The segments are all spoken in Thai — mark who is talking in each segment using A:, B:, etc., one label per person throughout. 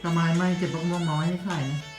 A: ทำไมไม่เก็บมะม่วงน้อยให้ขายนะ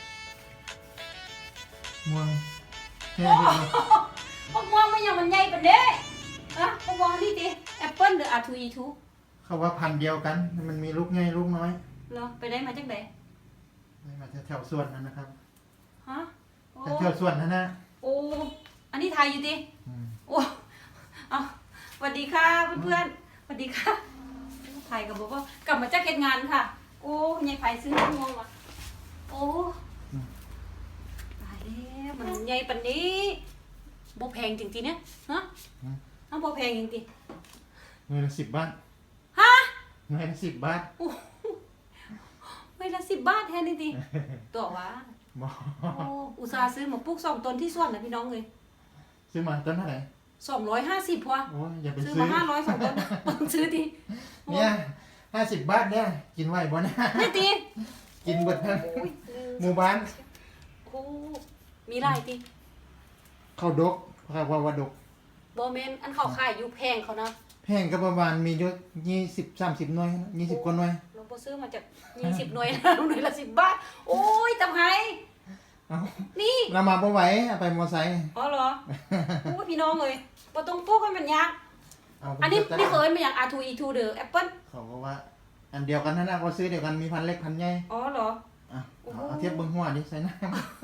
A: ม่วงแค่เดียว
B: มะม่วงมันยังมันใหญ่ปานเด้อะมะม่วงนี่ดิแอปเปิ้ลหรืออาทูอีทู
A: เขาว่าพันธุ์เดียวกันมันมีลูกใหญ่ลูกน้อย
B: เหรอไปได้มาจากไหน
A: มาแถวสวนนั่นนะครับ
B: ฮะโอ้
A: แถวสวนนั่นนะ
B: โอ้อันนี้ไทยอยู่ดิ
A: อืม
B: โอ้เอาสวัสดีค่ะเพื่อนๆสวัสดีค่ะไทยกับบอกว่ากลับมาจากเก็ตงานค่ะ โอ้ยายไผ่ซื้อมะม่วงมาโอ้ตายแล้วมันใหญ่ปานนี้บ่แพงจริงๆเนี่ยฮะอ้าวบ่แพงจริง
A: เงินละ10 บาท
B: ๆฮะ
A: เงินละ10 บาท
B: โอ้ไม่ละ10 บาทแทนนี่ดิตัววะ
A: บอ
B: โอ้อุตส่าห์ซื้อมาปลูก2 ต้นที่สวนนะพี่น้องเลย
A: ซื้อมาต้นเท่าไหร่
B: 250พอ
A: โอ้ยอย่าไป
B: ซื้อ
A: ซื้อ
B: มา500 2 ต้นต้องซื้อดิ
A: เนี่ย50 บาทเนี่ยกินไหวบ่นะ
B: นี่ตี
A: กินเบิดทั้ง
B: โอ้ย
A: หมู่บ้าน
B: โอ้มีหลายตี
A: เข้าดกเขาว่าดก
B: บอเมนอันเขาขายอยู่แพงเขานะ
A: แพงก็ประมาณมีอยู่20-30 หน่วยนะ20 กว่าหน่วย
B: เราพอซื้อมาจาก20 หน่วยนะหน่วยละ10 บาท โอ้ยตำไห้
A: เอ้า
B: นี่
A: เรามาบ่ไหวเอาไปมอไซค์
B: อ๋อเหรอโอ้ยพี่น้องเลยบ่ต้องปลูกให้มันยาก
A: เอาไป
B: อันนี้
A: จัด
B: นี่เคยมาอย่าง R2E2 เด้อแอปเปิ้ล
A: เขาก็ว่า อันเดียวกันนั่นนะเขาซื้อเดียวกันมีพันเล็กพันใหญ่
B: อ๋อเหรอ
A: อ่ะ
B: โอ้โห
A: เอาเทียบเบิ้งหัวดิใส่น้ำ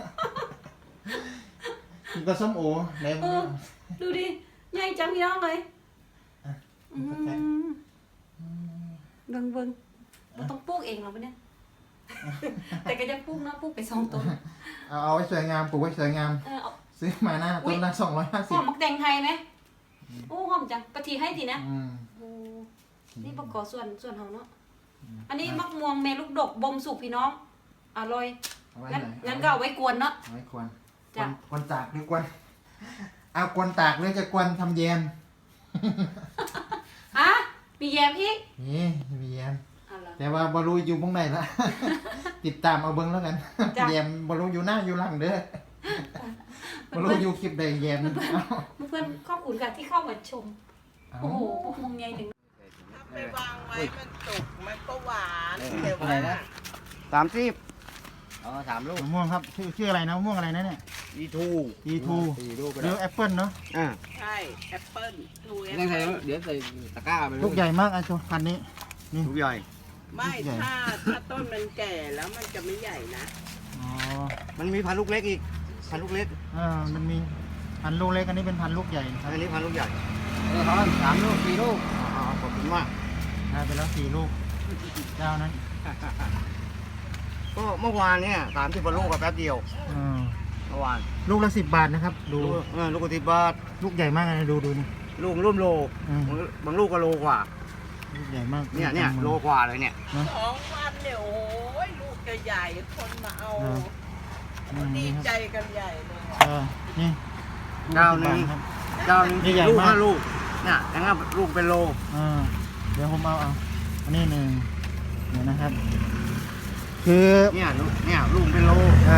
A: มันก็ส้มโอไหน
B: เออดูดิใหญ่จังพี่น้องเลย
A: อ่ะ
B: อืมเบิ่งบ่ต้องปลูกเองหรอปะเนี่ย แต่ก็จะปลูกนะปลูกไป2 ต้น
A: เอาไว้สวยงามปลูกไว้สวยงาม
B: เอา
A: ซื้อมาหน้า
B: อุ๊
A: ต้
B: ย
A: นละ
B: หอม
A: 250
B: มักแตงไทยไหมโอ้หอมจังปะทีให้ทีนะ
A: อืม
B: โอ้นี่ประกอบส่วนเฮาเนาะอันนี้มักม่วงแม่ลูกดกบ่มสุกพี่น้องอร่อย
A: เอาไว้
B: งั้น
A: ไหน
B: งั้นก็เอาไว้กวนเนาะ
A: เอาไว้กวน
B: จ้ะ
A: กวนตากหรือกวนเอากวนตากหรือจะกวนทำแยม
B: อ่ะมีแยมอีก
A: นี่มีแยม
B: เอาล่ะ
A: แต่ว่าบรูอยู่ตรงไหนละ ติดตามเอาเบิ้งแล้วกัน
B: จ้ะ
A: แยมบรูอยู่หน้าอยู่หลังเด้อบรูอยู่คลิปใดแยมเอา
B: เพื่อนๆขอบคุณค่ะที่เข้ามาชม
A: เอา
B: โอ้โหพวกมึงไงถึง
C: ถ้าไปวางไว้มันสุกมันก็หวานแต่
D: อะไร
C: ว่า
D: นะ30อ๋อ3 ลูก
A: มะม่วงครับชื่ออะไรนะมะม่วงอะไรนะเนี่ย
D: E2
A: E2
D: 4 ลูกก็
A: ห
D: ได้
A: รือแอปเปิลเนาะ
C: ใช่แอปเปิ้ลทูแอป
D: ยังไง
C: เปิ้ล
D: เดี๋ยวใส่ตะกร้าไป
A: ลูกใหญ่มากไอ้ตัวพันธุ์นี้
D: ลูกใหญ่
C: ไม่
A: ใหญ่
C: ถ้าต้นมันแก่แล้วมันจะไม่ใหญ่นะ
A: อ๋อ
D: มันมีพันลูกเล็กอีกพันลูกเล็ก
A: มันมีพันธุ์ลูกเล็กอันนี้เป็นพันธุ์ลูกใหญ่ครับ
D: อันนี้พันลูกใหญ่ทอน3 ลูก 4 ลูกอ๋อขอบคุณมาก
A: ได้ไปแล้ว4 ลูกเจ้านั้น
D: ก็เมื่อวานเนี่ย30 กว่าลูกกับแป๊บเดียว
A: อืม
D: เมื่อวาน
A: ลูกละ10 บาทนะครับดู
D: ลูกกว่า10 บาท
A: ลูกใหญ่มากเลยดูนี่
D: ลูกร่วมโล
A: อืม
D: บางลูกก็โลกว่า
A: ลูกใหญ่มาก
D: เนี่ยโลกว่าเลยเนี่ย
C: 2 วันเนี่ยโอ้ยลูกจะใหญ่คนมาเอา ดี
A: นี่ค
C: ใจ
A: รับ
C: กันใหญ่เลย
A: นี่
D: เจ้าหนึ่ง
A: ครับ
D: เจ้าหนึง
A: นี่ใหญ่
D: ลูก
A: มาก
D: 5 ลูกเนี่ยอย่างนั้นลูกเป็นโล
A: เดี๋ยวผมเอาอันนี้หนึ่งเดี๋ยวนะครับ คือ
D: เนี่ยลูกเป็นโล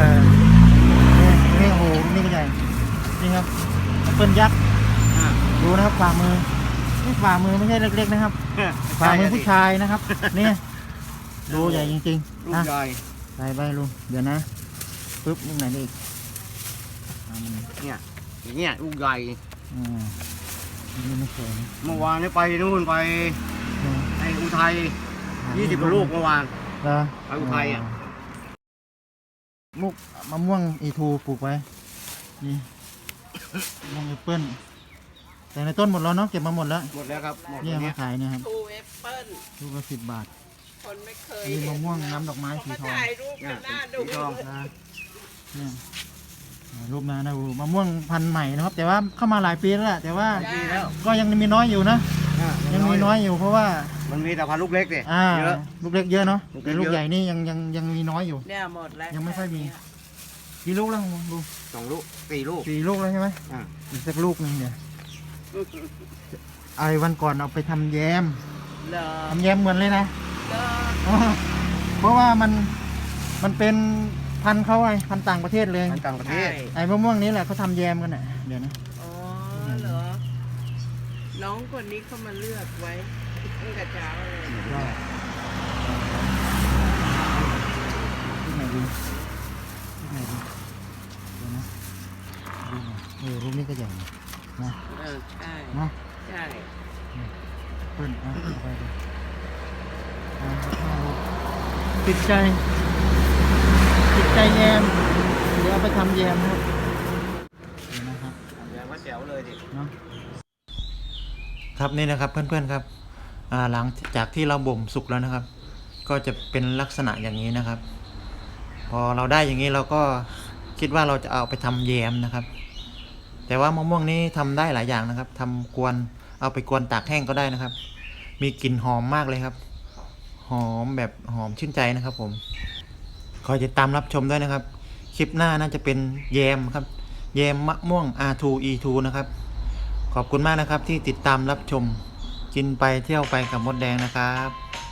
A: นี่โอ้โหนี่ก็ใหญ่นี่ครับแอปเปิลยักษ์
D: อ่า
A: ดูนะครับฝ่ามือนี่ฝ่ามือไม่ใช่เล็กๆนะครับ ฝ่ามือผู้ชายนะครับ นี่ดูใหญ่จริง
D: ลู
A: ๆ
D: ก
A: นะ
D: ใหญ่
A: ใส่ไปลุงเดี๋ยวนะปึ๊บลูกไหนได้อีกเอามัน
D: เนี่ยอย่างเงี้ยลูกใหญ่
A: นี่ไม่เคยนะ
D: เมื่อวานนี้ไปนู่นไปไออุทัย20 กว่าลูกเมื่อวาน
A: เหรอ
D: ไปอุทัยอ่ะ
A: ลูกมะม่วงอีทูปลูกไว้นี่มะม่วงแอปเปิ้ลแต่ในต้นหมดแล้วเนาะเก็บมาหมดแล้ว
D: หมดแล้วครับหมด
A: เนี่ย
D: แล้ว
A: มา
D: เนี่ย
A: ขายเนี่ยครับ
C: ทูแอปเปิ้ล
A: ลูกละ10 บาท
C: คนไม่เคย
A: อันนี้
C: เห็
A: มะ
C: น
A: ม่วงน้ำดอกไม้
C: เขา
A: สี
C: มา
A: ทอง
C: ถ่ายรูปกันหน้าดู
D: สีทอง
A: นะเนี่ยรูปนะดูมะม่วงพันธุ์ใหม่นะครับ แต่ว่าเข้ามาหลายปีแล้วแหละแต่ว่า
D: ดีแล้ว
A: ก็ยังมีน้อยอยู่นะ
D: อ่ะ
A: ยังมีน้อยอยู่เพราะว่า
D: มันมีแต่พันลูกเล็กสิ เยอะ
A: ลูกเล็กเยอะเนาะ
D: ลูกเล็
A: แต่
D: ก
A: ลูก
D: เยอะ
A: ใหญ่นี่ยังมีน้อยอยู่
C: เนี่ยหมดแล้ว
A: ยังไม่ค่อยมี กี่ลูกแล้วดู
D: 2 ลูก 4 ลูก
A: 4 ลูกแล้วใช่ไหม
D: อ่ะ
A: อีกสักลูกหนึงเดี๋ยวไอ้วันก่อนเอาไปทำแยม
C: เหรอ
A: ทำแยมเหมือนเลยนะ
C: เหรอ
A: เพราะว่ามันเป็นพันธุ์เขาไงพันธุ์ต่างประเทศเลย
D: มันต่างประเท
C: ใช่
D: ศ
A: ไอ้มะม่วงนี้แหละเขาทำแยมกันน่ะเดี๋ยวนะ
C: อ๋อเหรอ น้องคนนี้เขามาเลือกไว้ตั้งแต่เช้าเลย
A: ก็ดีลูกไหนดีเดี๋ยวนะดูหน่อยลูกนี้ก็ใหญ่นะ
C: ใช่
A: เนาะ
C: ใช่
A: เปิ้ลเอาไปเลยเอาติดใจแยมเดี๋ยวเอาไปทำแยมครับเดี๋ยวนะครับ
D: แยมก็แจ๋วเลยดิ
A: เนาะครับนี่นะครับเพื่อนๆครับหลังจากที่เราบ่มสุกแล้วนะครับ ก็จะเป็นลักษณะอย่างนี้นะครับ พอเราได้อย่างนี้เราก็คิดว่าเราจะเอาไปทำแยมนะครับ แต่ว่ามะม่วงนี้ทำได้หลายอย่างนะครับทำกวนเอาไปกวนตากแห้งก็ได้นะครับ มีกลิ่นหอมมากเลยครับ หอมแบบหอมชื่นใจนะครับผมคอยติดตามรับชมด้วยนะครับ คลิปหน้าน่าจะเป็นแยมครับแยมมะม่วง R2E2 นะครับขอบคุณมากนะครับที่ติดตามรับชมกินไปเที่ยวไปกับมดแดงนะครับ